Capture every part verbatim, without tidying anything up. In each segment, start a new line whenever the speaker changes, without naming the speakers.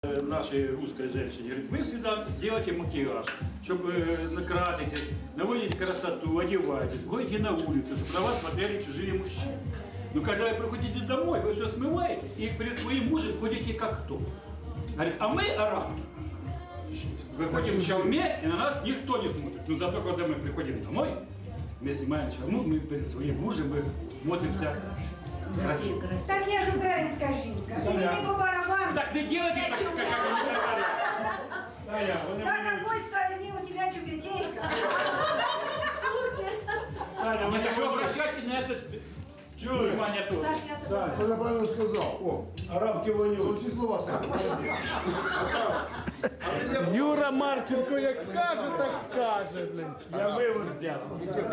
Нашей русской женщине, говорит, вы всегда делаете макияж, чтобы э, накраситесь, наводите красоту, одеваетесь, выйдете на улицу, чтобы на вас смотрели чужие мужчины. Но когда вы приходите домой, вы все смываете и перед своим мужем ходите как кто. Говорит, а мы, арабки, выходим в чалме, и на нас никто не смотрит. Но зато, когда мы приходим домой, мы снимаем чалму, мы перед своим мужем мы смотримся красиво.
Так я же украинская жінка. Мені по барабану.
Так не делайте так, как они говорят.
На какой стороне у тебя тюбетейка?
Саня, вы так обращайте на это внимание тоже.
Саш, я
Сань,
согласна.
Саня правильно сказал. О,
Арабки вонють.
золоті слова, Саня.
Юра Марченко як скаже, так скаже, блин.
Я вивод зробив.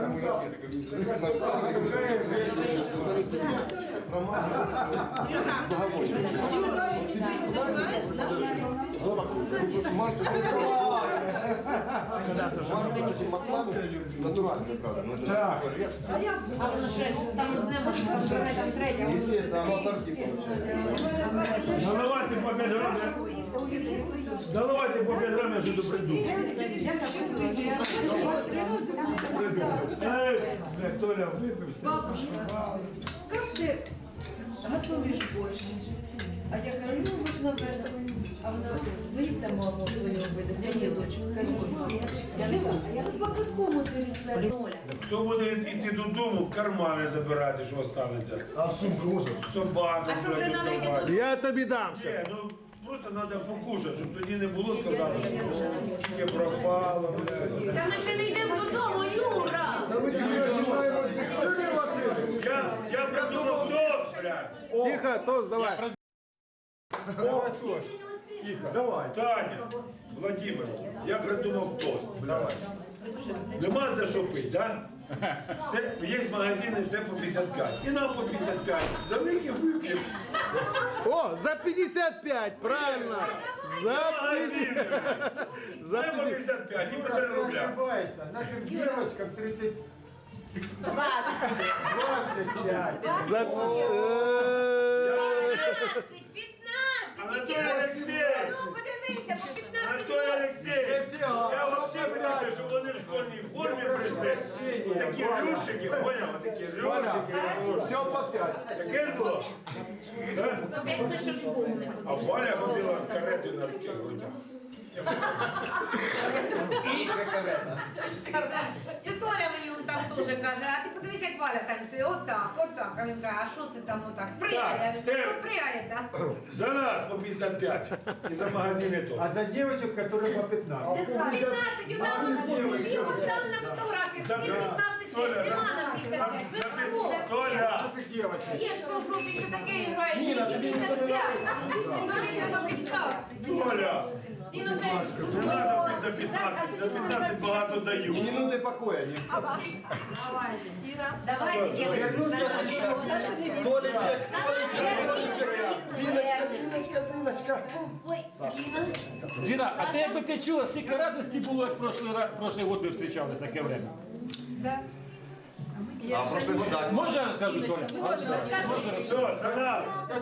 Натуральные, правда. но это
Так.
А воно ще там одне може там третє.
Естественно, оно сорти получается.
Наливайте по п'ять грамів. Наливайте по п'ять грамів, я що придумав. Ей, бля, Толя випився.
Бабушка, как ты готовишь борщ? А я говорю, ну можна вбити. А вона боїться маму свою вбити, це є дочка. Я не можу. Ну по какому ти рецепту, Оля?
Хто буде йти додому, в кармани забирати, що останеться?
А в сумку можно?
Собака,
А що вже
блядь,
надо йти
давай.
Я тобі дам
Ні,
ще.
ну просто треба покушати, щоб тоді не було сказати, що скільки пропало, блядь.
Та ми ще не йдемо додому, Юра!
Да мы тебя снимаем от Юрий Васильевич.
Я, я придумав тост, блядь.
Тихо, тост, давай.
Давай тост.
Давай.
Таня, Владимир, я придумав тост. Давай. Нема за що пити, да? Все, є магазини, все по п'ятдесят п'ять. І нам по п'ятдесят п'ять. За великі вип'ємо.
О, за пятьдесят пять, правильно. За
Магазини.
За
Все по п'ятдесят п'ять, і по три рубля.
Ошибается. Нашим девочкам тридцать двадцать пять.
За...
Анатолій Олексійович,
Ну подивися, по п'ятнадцять
Анатолій Олексійович, я взагалі вирішив, що вони в школьній формі прийшли. Такі рюшики, поняв? Такі рюшики.
Все по пять.
Таке ж було? Да? А Валя ходила з каретою на таких грудях.
Це Толя мені там теж каже, а ти подивися, як Валя танцює, отак, отак. А він каже, а що це там отак? Пригає, я
все.
кажу, що пригає, так?
За нас по п'ятдесят п'ять. І за магазини теж.
А за девочек, которые по пятнадцать.
п'ятнадцять, у нас там на фотографії, всі п'ятнадцять
Толя,
років,
за-
нема нам п'ятдесят п'ять. Ви
за-
що?
Толя,
Наших девочек.
Є хто в жовтій ще таке грає, що п'ятдесят п'ять. Скажіть, до п'ятнадцять.
Толя,
І ну
не треба пити за п'ятнадцять, за п'ятнадцять багато даю.
Минуты покоя.
Давайте, дівчатки,
Толечек, Зиночка, Зиночка, Зиночка.
Зіна, а ти якби ти чула, скільки радості було, як прошлий, ра- прошлий год ми зустрічались таке время?
А прошлый год, да.
Можна я розкажу, Толя?
Все, за нас.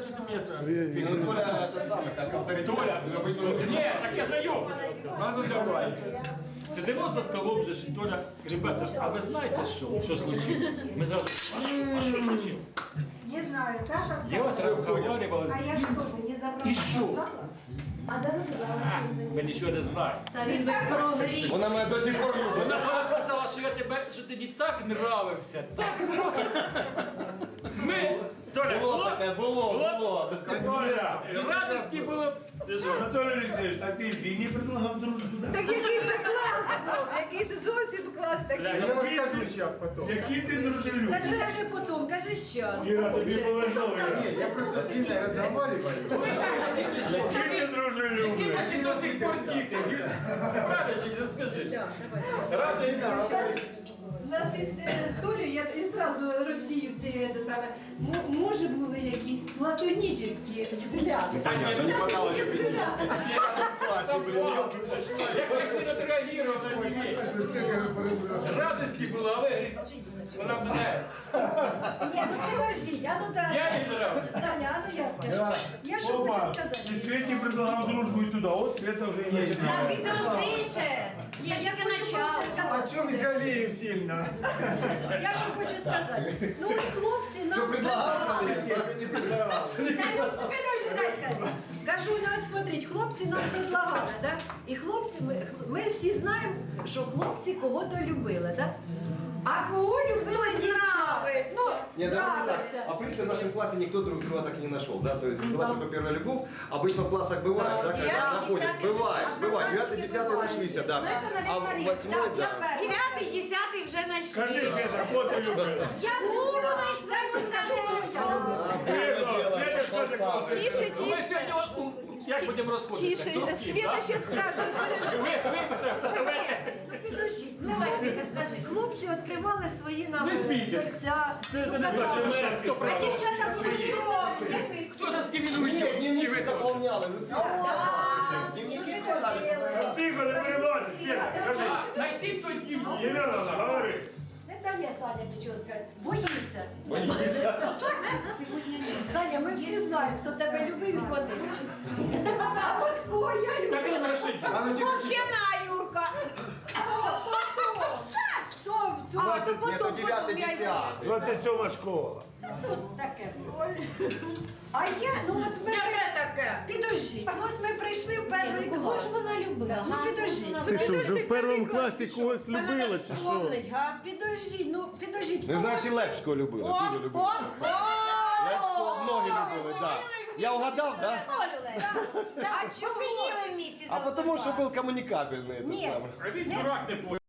Толя этот самый, как авторитет.
Толя, ні, так я за його хочу розказати.
А ну давай.
Сидимо за столом вже, ж, і Толя, ребята, а ви знаєте, що, що случилось? Ми зразу, а що, а що случилось?
Не знаю, Саша
Я от
сказала.
розмовляла
А
з
я
ним,
что, не забрала?
І що?
А дорога
А, ми нічого не знаємо.
Та він би прогрів.
Она меня до сих пор любит.
Вона вона казала, що я тебе, що ти мені так нравився, так нравився. Ми, Толя,
Було
було?
таке, було, було.
Толя,
Радості було. Ти що?
Анатолій Олексійович, а ти Зіні предлагав дружбу? да?
Так який це клас був, який це зовсім клас такий.
Бля,
Я расскажу сейчас потом.
Який ти
Та
дружелюбний.
кажи потім, кажи щас.
Іра, тобі повезло, Іра.
Не, я просто с Зиной разговариваю.
Який ти дружелюбний.
Наші до сих пор діти. Правда чи не скажи? Радий.
У нас із е, Толею, я і зразу Росію ці те саме, м- може були якісь платонічні взгляди.
Понятно, не хватало еще физически. В классе, блин, елки.
Як ти відреагував на дітей. Радості була, а ви говорите, вона мене.
Ні, ну подождіть, а ну так.
Я не нравлюсь.
Саня, а ну я скажу. Я що
Опа,
хочу сказати?
и Свете предлагал дружбу и туда. Вот Света уже и начинает.
Підождіше.
Ні, я хочу
начало.
просто
О
сказати.
чем жалею сильно?
Я що хочу сказати. Ну, от хлопці нам
Что предлагал?
предлагали.
Я же не предлагал.
Підожди, дай скажу. Кажу, ну от смотрите, хлопці нам предлагали, да? І хлопці, ми, ми всі знаємо, що хлопці кого-то любили, да? А кого любили дівчата? Ну,
Нет, давайте так.
нравився.
А в принципе в нашем классе никто друг друга так и не нашел, да? То есть была только первая любовь. Обычно в классах бывает, да, когда
девятый,
находят.
десятый,
Бывает,
шестнадцатый,
бывает. Девятый, десятый нашлись, да. А в восьмой, да.
Дев'ятий, десятий вже
Скажи,
знайшли.
Света, кого ты любила?
Я буду знайшла,
Света, Света, скажи, кого ты
Тише,
Ну, Ми
тише.
сьогодні от, ну, як будемо розходитися?
Тише,
Хто з ким,
Света
да?
ще скаже.
Ви, ви, давайте.
Ну підождіть. Ну,
Давай, Світа, скажи.
хлопці відкривали свої нам
Не смійтесь.
серця.
Це
Ну,
не
казали,
бачите,
що-
хто
А
правда
дівчата були
свої.
скромні.
Хто заскамінує?
Нет,
Чи ви
дневники
теж?
заполняли. Дневники писали.
Тихо, не переводь, Света, скажи.
А, Найти той дім.
Єлена, говори.
Не дає Саня нічого сказати. Боїться.
Боится.
Саня, ми всі знаємо, хто тебе любив і ходив. А от кого я
Так і
любила?
знайшли.
А ну тихо.
Мовчана, Юрка.
Хто в цьому?
А, то
Нет,
потом,
то девятый,
потом я й-
десятый.
двадцять сьома школа.
Тут таке. А я, ну от ми...
таке?
Підождіть, ну от ми прийшли в перший
Кого
клас.
ж вона любила?
Ну,
га?
підожди.
Вона
Ти що,
любила?
вже в першому класі когось
Вона
любила,
ж
чи що?
вспомнить, га?
Підождіть, ну підождіть.
Ну,
кого-
значит, Лепського любили,
О,
дуже
о,
любили.
о!
Лепського многие любили, да. Я угадал, да?
А чого? Посиділи в місті.
А потому что был коммуникабельный этот
Нет.
самый.
А він дурак не понял.